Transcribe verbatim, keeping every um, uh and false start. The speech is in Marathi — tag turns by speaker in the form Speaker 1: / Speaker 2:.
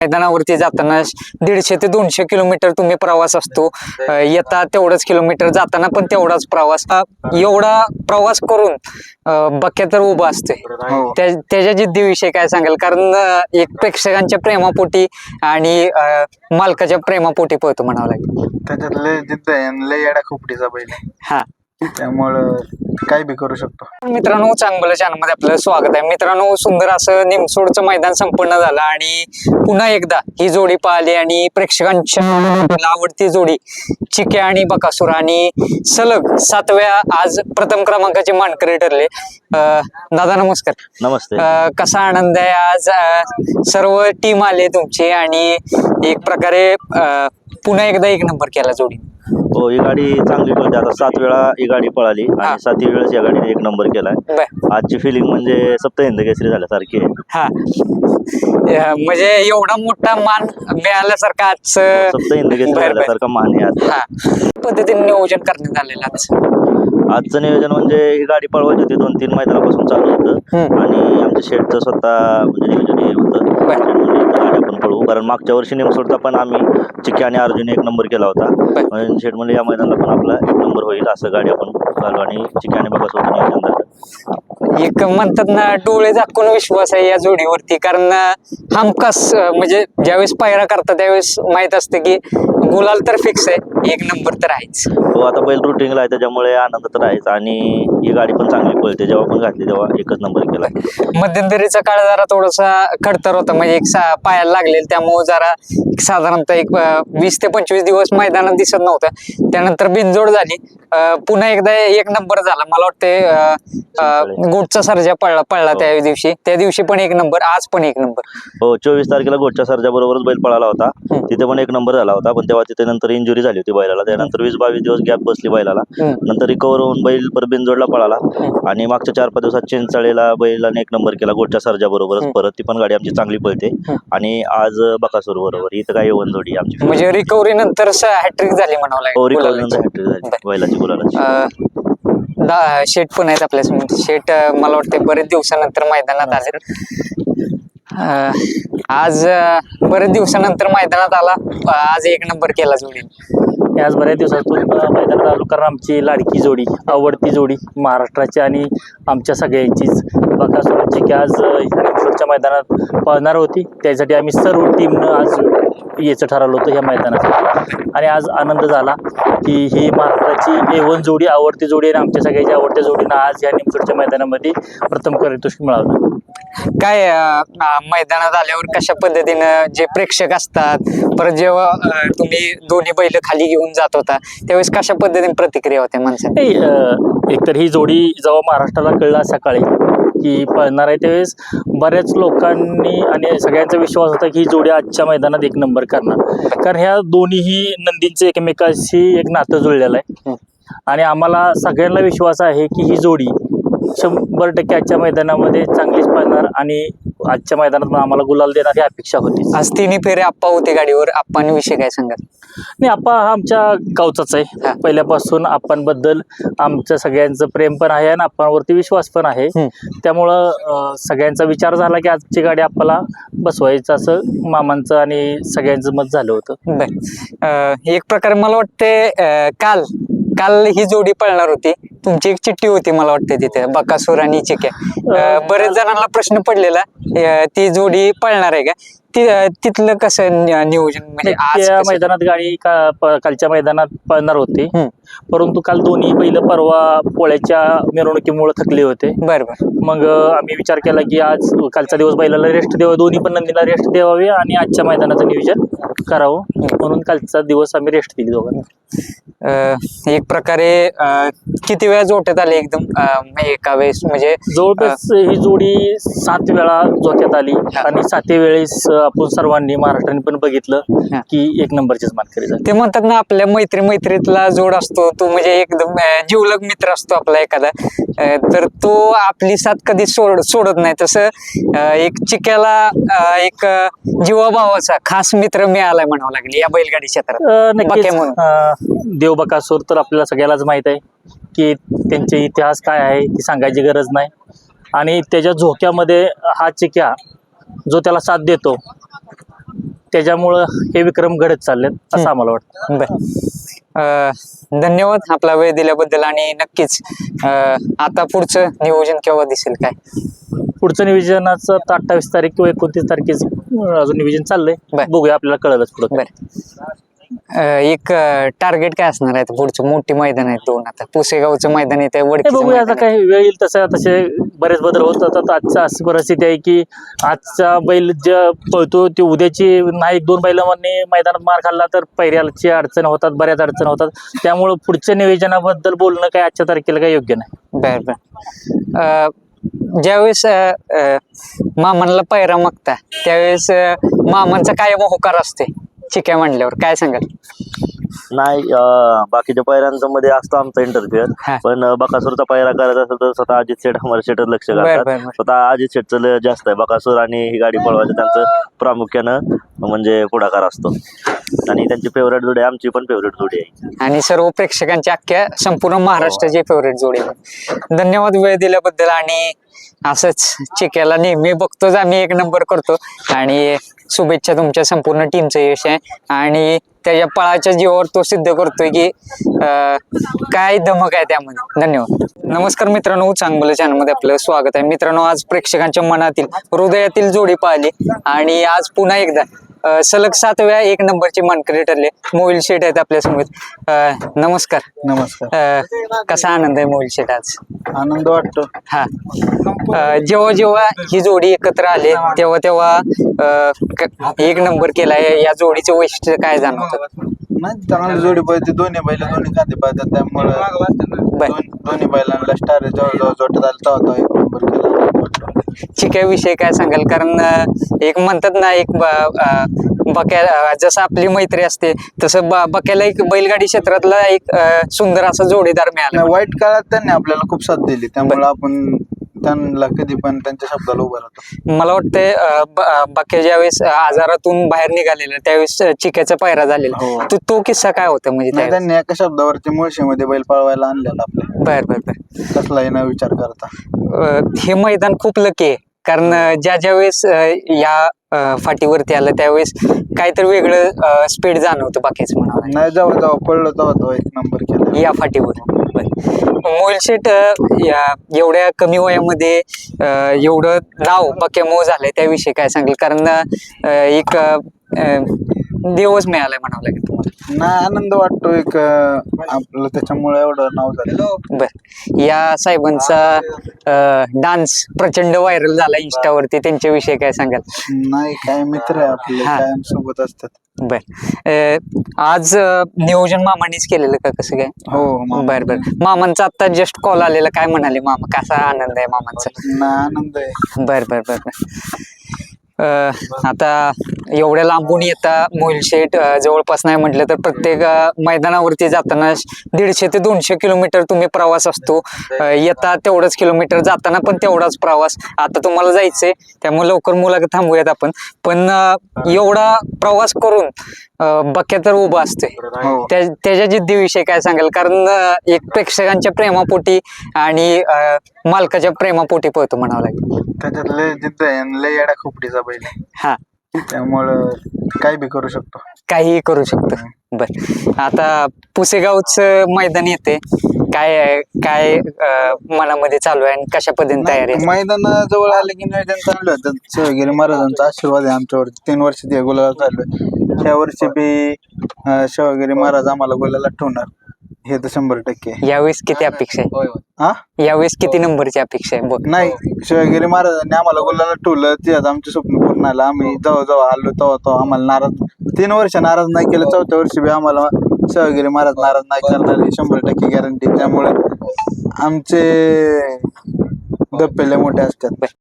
Speaker 1: मैदानावरती जाताना दीडशे ते दोनशे किलोमीटर तुम्ही प्रवास असतो, येता तेवढाच किलोमीटर, जाताना पण तेवढाच प्रवास. एवढा प्रवास करून बक्या तर उभा असते, त्याच्या जिद्दीविषयी काय सांगाल? कारण एक प्रेक्षकांच्या प्रेमापोटी आणि मालकाच्या प्रेमापोटी पळतो म्हणावं लागेल.
Speaker 2: त्याच्यात लय जिद्द आहे, लय येडा खोपडीचा बैल आहे.
Speaker 1: हा,
Speaker 2: त्यामुळं काही बी करू शकतो.
Speaker 1: मित्रांनो, चांगलं चॅनलमध्ये आपलं स्वागत आहे. मित्रांनो, सुंदर असं निमसोडचं मैदान संपन्न झालं आणि पुन्हा एकदा ही जोडी पाहिली आणि प्रेक्षकांच्या आवडती जोडी चिक्या आणि बकासूर आणि सलग सातव्या आज प्रथम क्रमांकाचे मानकरी ठरले. दादा नमस्कार.
Speaker 3: नमस्ते.
Speaker 1: कसा आनंद आहे आज? सर्व टीम आले तुमची आणि एक प्रकारे पुन्हा एकदा एक नंबर केला जोडी.
Speaker 3: हो, ही गाडी चांगली पळते. आता सात वेळा ही गाडी पळाली आणि सातही वेळेस या गाडीने एक नंबर केलाय. आजची फिलिंग म्हणजे सप्तहिंद केसरी झाल्यासारखी आहे. हा,
Speaker 1: म्हणजे एवढा मोठा मान मिळाल्यासारखा आज
Speaker 3: सप्तहिंद केसरी झाल्यासारखा मान आहे आज.
Speaker 1: हा, पद्धतीने नियोजन करण्यात आलेलं आज.
Speaker 3: आजचं नियोजन म्हणजे ही गाडी पळवायची होती, दोन तीन मैदानापासून चालू होतं आणि आमच्या शेडचं स्वतः म्हणजे नियोजन हे होतं गाडी आपण पळवू. कारण मागच्या वर्षी निमसोडचा पण आम्ही चिक्या आणि अर्जुन एक नंबर केला होता. शेड म्हणजे या मैदानाला पण आपला एक नंबर होईल असं गाडी आपण घालू आणि चिक्या आणि बकासूरचं नियोजन झालं.
Speaker 1: एक म्हणतात ना, डोळे झाकून विश्वास आहे या जोडीवरती. कारण हमखास म्हणजे ज्यावेळेस पायरा करतात त्यावेळेस माहित असतं की गुलाल तर फिक्स आहे, एक नंबर तर आहेच.
Speaker 3: हो, आता बैल रुटीनला आहे त्याच्यामुळे आनंद तर आहेच आणि ही गाडी पण चांगली पळते. जेव्हा पण घातली तेव्हा एकच नंबर केला.
Speaker 1: मध्यंतरीचा काळ जरा थोडासा खडतर होता, म्हणजे एक पायाला लागलेला, त्यामुळे जरा साधारणतः एक वीस ते पंचवीस दिवस मैदानात दिसत नव्हतं. त्यानंतर बिनजोड झाली, पुन्हा एकदा एक नंबर झाला. मला वाटतं गोटचा सर्जा पळला पळला त्या दिवशी त्या दिवशी पण एक नंबर, आज पण एक नंबर.
Speaker 3: हो, चोवीस तारखेला गोटच्या सर्जा बरोबरच बैल पळाला होता, तिथे पण एक नंबर झाला होता. पण तेव्हा तिथे नंतर इंजुरी झाली होती बैलाला, त्यानंतर वीस बावीस दिवस गॅप बसली बैलाला. नंतर रिकवर होऊन बैल परत बिनजोडला पळाला आणि मागच्या चार पाच दिवसात चिंचाळेला बैलाने एक नंबर केला गोटच्या सर्जा बरोबरच. परत ती पण गाडी आमची चांगली पळते आणि आज बकासूर बरोबर इथं काही येऊन जोडी आमची.
Speaker 1: म्हणजे रिकव्हरी नंतर हॅट्रिक झाली म्हणावं लागेल.
Speaker 3: हो, रिकव्हरी नंतर हॅट्रिक झाली बैलाची गुलाला.
Speaker 1: शेट पण आहेत आपल्यासमोर. शेट मला वाटतं बरेच दिवसानंतर मैदानात आले. आज बरेच दिवसानंतर मैदानात आला, आज एक नंबर केला जोडी.
Speaker 4: आज बऱ्याच दिवसातून मैदानात आलो, कारण आमची लाडकी जोडी, आवडती जोडी महाराष्ट्राची आणि आमच्या सगळ्यांचीच बकासूरची की आज ह्या मैदानात पळणार होती. त्यासाठी आम्ही सर्व टीमनं आज यायचं ठरवलं होतं ह्या मैदानासाठी आणि आज आनंद झाला की ही महाराष्ट्राची ए वन जोडी, आवडती जोडी आणि आमच्या सगळ्याच्या आवडत्या जोडीनं आज या निमसोडच्या मैदानामध्ये प्रथम पारितोषिक मिळालं.
Speaker 1: काय मैदानात आल्यावर कशा पद्धतीनं जे प्रेक्षक असतात, परत जेव्हा तुम्ही दोन्ही बैल खाली घेऊन जात होता त्यावेळेस कशा पद्धतीने प्रतिक्रिया होत्या माणसाने?
Speaker 4: एकतर ही जोडी जेव्हा महाराष्ट्राला कळला सकाळी की पळणार आहे त्यावेळेस बऱ्याच लोकांनी आणि सगळ्यांचा विश्वास होता की ही जोडी आजच्या मैदानात एक नंबर करणार, कारण ह्या दोन्हीही नंदींचे एकमेकाशी एक नातं जुळलेलं आहे आणि आम्हाला सगळ्यांना विश्वास आहे की ही जोडी शंभर टक्के आजच्या मैदानामध्ये चांगलीच पळणार आणि आजच्या मैदानात पण आम्हाला गुलाल देणार ही अपेक्षा होती.
Speaker 1: आज तिन्ही फेरे आप्पा होते गाडीवर. आप्पांविषयी काय सांगाल?
Speaker 4: नाही, आप्पा हा आमच्या गावचाच आहे. पहिल्यापासून आप्पांबद्दल आमचं सगळ्यांचं प्रेम पण आहे आणि आप्पांवरती विश्वास पण आहे. त्यामुळं सगळ्यांचा विचार झाला की आजची गाडी आप्पाला बसवायचं, असं मामांचं आणि सगळ्यांचं मत झालं होतं.
Speaker 1: एक प्रकारे मला वाटते काल काल ही जोडी पळणार होती, तुमची एक चिठ्ठी होती मला वाटते तिथे, बकासूर आणि चिक्या. बरेच जणांना प्रश्न पडलेला ती जोडी पळणार आहे का, तिथलं कसं नियोजन? म्हणजे
Speaker 4: त्या मैदानात गाडी कालच्या मैदानात पळणार होती, परंतु काल दोन्ही बैल परवा पोळ्याच्या मिरवणुकीमुळे थकले होते.
Speaker 1: बरोबर.
Speaker 4: मग आम्ही विचार केला की आज कालचा दिवस बैलाला रेस्ट द्यावा, दोन्ही पण नंदीला रेस्ट द्यावे आणि आजच्या मैदानाचं नियोजन करावं, म्हणून कालचा दिवस आम्ही रेस्ट दिली दोघांना.
Speaker 1: एक प्रकारे किती वेळा जोट्यात आले एकदम एका वेळेस? म्हणजे
Speaker 4: जवळपास ही जोडी सात वेळा जोट्यात आली आणि सातही वेळेस आपण सर्वांनी महाराष्ट्राने पण बघितलं की एक नंबरचीच मानकरी झाली.
Speaker 1: ते म्हणतात ना, आपल्या मैत्री मैत्रीतला जोड असतो तो म्हणजे एकदम जीवलग मित्र असतो आपला एखादा, तर तो आपली साथ कधी सोड सोडत नाही. तसं एक चिक्याला एक जीवाभावाचा खास मित्र मिळालाय म्हणावं लागेल या बैलगाडी क्षेत्रात.
Speaker 4: नक्कीच देव बकासूर तर आपल्याला सगळ्यालाच माहित आहे की त्यांचे इतिहास काय आहे ती सांगायची गरज नाही आणि त्याच्या झोक्यामध्ये हा चिक्या जो त्याला साथ देतो त्याच्यामुळं हे विक्रम घडत चाललेत असं आम्हाला वाटतं.
Speaker 1: बर अं, धन्यवाद आपला वेळ दिल्याबद्दल. आणि नक्कीच अं, आता पुढचं नियोजन केव्हा दिसेल काय?
Speaker 4: पुढचं नियोजनाचं आता अठ्ठावीस तारीख किंवा एकोणतीस तारखेच अजून नियोजन चाललंय.
Speaker 1: बर.
Speaker 4: बघूया, आपल्याला कळलंच पुढं.
Speaker 1: बर अं, एक टार्गेट काय असणार आहे पुढचं? मोठी मैदान आहेत दोन, आता पुसेगावचं मैदान येते,
Speaker 4: हे
Speaker 1: वडकीचं
Speaker 4: बघूया, आता
Speaker 1: मैदान
Speaker 4: काही वेळ येईल तसं तसे बरेच बदल होत जातात. आजच्या अशी परिस्थिती आहे की आजचा बैल जे पळतो ते उद्याची नाही एक दोन बैलांनी मैदानात मार खाल्ला तर पैऱ्याची अडचण होतात, बऱ्याच अडचण होतात. त्यामुळे पुढच्या नियोजनाबद्दल बोलणं काही आजच्या तारखेला काही योग्य नाही.
Speaker 1: बर बर अं, ज्यावेळेस अं, अं, मामांना पायरा मागता त्यावेळेस अं, मामांचा कायम होकार असते चिक्या म्हणल्यावर, काय सांगाल?
Speaker 3: नाही, अं, बाकीच्या पायऱ्यांचं मध्ये असतो आमचा इंटरफिअर,
Speaker 1: हा.
Speaker 3: पण अं, बकासूरचा पायरा करायचा असेल तर स्वतः अजित शेठ अमर शेठ लक्ष
Speaker 1: बर
Speaker 3: घालतात.
Speaker 1: बर बर
Speaker 3: स्वतः अजित शेठचं लय जास्त आहे. बकासूर आणि ही गाडी पळवायचं त्यांचं प्रामुख्यानं म्हणजे पुढाकार असतो. आणि त्यांची फेवरेट जोडी आहे, आमची पण फेवरेट जोडी आहे.
Speaker 1: आणि सर्व प्रेक्षकांची अख्ख्या संपूर्ण महाराष्ट्राची फेवरेट जोडी आहे. धन्यवाद वेळ दिल्याबद्दल. आणि असंच चिक्याला नेहमी बघतोच आम्ही, एक नंबर करतो. आणि शुभेच्छा तुमच्या संपूर्ण टीमचं यश आहे. आणि त्याच्या पळाच्या जीवावर तो सिद्ध करतोय की अं, काय धमक आहे त्यामध्ये. धन्यवाद. नमस्कार मित्रांनो, चांगलं चॅनलमध्ये आपलं स्वागत आहे. मित्रांनो, आज प्रेक्षकांच्या मनातील हृदयातील जोडी पाहिली आणि आज पुन्हा एकदा अं, सलग सात वेळा एक नंबरची मानकरी ठरले मोहिल शेठ आहेत आपल्या समोर. अं, नमस्कार.
Speaker 2: नमस्कार.
Speaker 1: अं, कसा आनंद आहे मोहिल शेठ आज?
Speaker 2: आनंद वाटतो.
Speaker 1: हा अं, जेव्हा जेव्हा ही जोडी एकत्र आले तेव्हा तेव्हा अं, क- एक नंबर केलाय, या जोडीचं वैशिष्ट्य काय जाणवतं?
Speaker 2: नाही, चांगली जोडी पाहिजे. दोन्ही बैल दोन्ही खांदे पाहतात, त्यामुळे दोन- दोन्ही बैलांना स्टार जवळजवळ जोटत आलं तेव्हा तो एक नंबर केला.
Speaker 1: चिक्याविषयी काय सांगाल? कारण अं, एक म्हणतात ना, एक ब- अं, बक्या अं, जसं आपली मैत्री असते तसं ब- बक्याला एक बैलगाडी क्षेत्रातला एक अं, सुंदर असा जोडीदार मिळाला.
Speaker 2: नाही, वाईट काळात त्यांनी आपल्याला खूप साथ दिली, त्यामुळे आपण त्यांना कधी पण त्यांच्या शब्दाला उभं राहतो.
Speaker 1: मला वाटतंय अं, ब- अं, बक्या ज्यावेळेस आजारातून बाहेर निघालेला त्यावेळेस अं, चिक्याचा पायरा झालेला,
Speaker 2: हो.
Speaker 1: तो तो किस्सा काय होता म्हणजे
Speaker 2: नाही,
Speaker 1: त्यावेळेस?
Speaker 2: त्यांनी एका शब्दावरती मुळशीमध्ये बैल पळवायला आणलेला आपल्या,
Speaker 1: बर बर बर
Speaker 2: कसलाही न विचार करता.
Speaker 1: अं, हे मैदान खूप लकी आहे. कारण अं, ज्या ज्या वेळेस अं, या अं, फाटीवरती आलं त्यावेळेस काहीतरी वेगळं स्पीड जाणवतं बाकीच म्हणावं
Speaker 2: नाही, जेव्हा जेव्हा पडलं तेव्हा तो एक नंबर केला.
Speaker 1: या फाटीवर. मोहिल शेठ अं, या एवढ्या कमी वयामध्ये अं, एवढं नाव बक्यामो झालंय त्याविषयी काय सांगेल? कारण अं, एक अं, देवच मिळालाय म्हणावं लागेल तुम्हाला.
Speaker 2: नाही, आनंद वाटतो एक अं, आपलं त्याच्यामुळे एवढं नाव झालं.
Speaker 1: बर या साहेबांचा डान्स प्रचंड व्हायरल झाला इंस्टावरती, त्यांच्याविषयी काय सांगाल?
Speaker 2: नाही, काय मित्र आहे आपले,
Speaker 1: हा.
Speaker 2: कायम सोबत असतात.
Speaker 1: बर अं, आज अं, नियोजन मामानेच केलेलं का कसं काय?
Speaker 2: हो, मामा.
Speaker 1: बर बर मामांचा आता जस्ट कॉल आलेला, काय म्हणाले मामा? कसा आनंद आहे मामांचा?
Speaker 2: ना, आनंद आहे.
Speaker 1: बर बर बर बर अं, आता एवढ्या लांबून येता मोहिल शेठ अं, जवळपास नाही म्हटलं तर प्रत्येक अं, मैदानावरती जाताना दीडशे ते दोनशे किलोमीटर तुम्ही प्रवास असतो. अं, येता तेवढंच किलोमीटर, जाताना पण तेवढाच प्रवास. आता तुम्हाला जायचंय त्यामुळे लवकर मुलाखत थांबूयात आपण. पण अं, एवढा प्रवास करून अं, बक्या तर उभा असतोय,
Speaker 2: हो.
Speaker 1: त्या त्याच्या जिद्दीविषयी काय सांगाल? कारण अं, एक प्रेक्षकांच्या प्रेमापोटी आणि अं, मालकाच्या प्रेमापोटी पळतो म्हणावं लागेल.
Speaker 2: त्याच्यात लय जिद्द आहे आणि लय येडा खोपडीचा बैल आहे.
Speaker 1: हा,
Speaker 2: त्यामुळं काही बी करू शकतो.
Speaker 1: काहीही करू शकतो. बर आता पुसेगावचं मैदान येते, काय आहे- काय अं, मनामध्ये चालू आहे आणि कशा पद्धतीने तयारी आहे?
Speaker 2: मैदान जवळ आले की नियोजन चांगलं होतं. शिवगिरी महाराजांचा आशीर्वाद आहे आमच्यावरती. तीन वर्ष ते गुलाला चालू आहे. ह्या वर्षी बी अं, शिवगिरी महाराज आम्हाला गुलाला ठेवणार, हे तर शंभर टक्के आहे.
Speaker 1: यावेळेस किती अपेक्षा आहे?
Speaker 2: हा,
Speaker 1: यावेळेस किती नंबरची अपेक्षा आहे? बघ
Speaker 2: नाही, शिवगिरी महाराजांनी आम्हाला गुलाला ठेवलं, ते आता आमचे स्वप्न पूर्ण आलं. आम्ही जेव्हा जेव्हा आलो तेव्हा तेव्हा आम्हाला नाराज, तीन वर्ष नाराज नाही केलं, चौथ्या वर्षी बी आम्हाला शिवगिरी महाराज नाराज नाही करणार, ही शंभर टक्के गॅरंटी. त्यामुळे आमचे धप्पे लय मोठे असतात.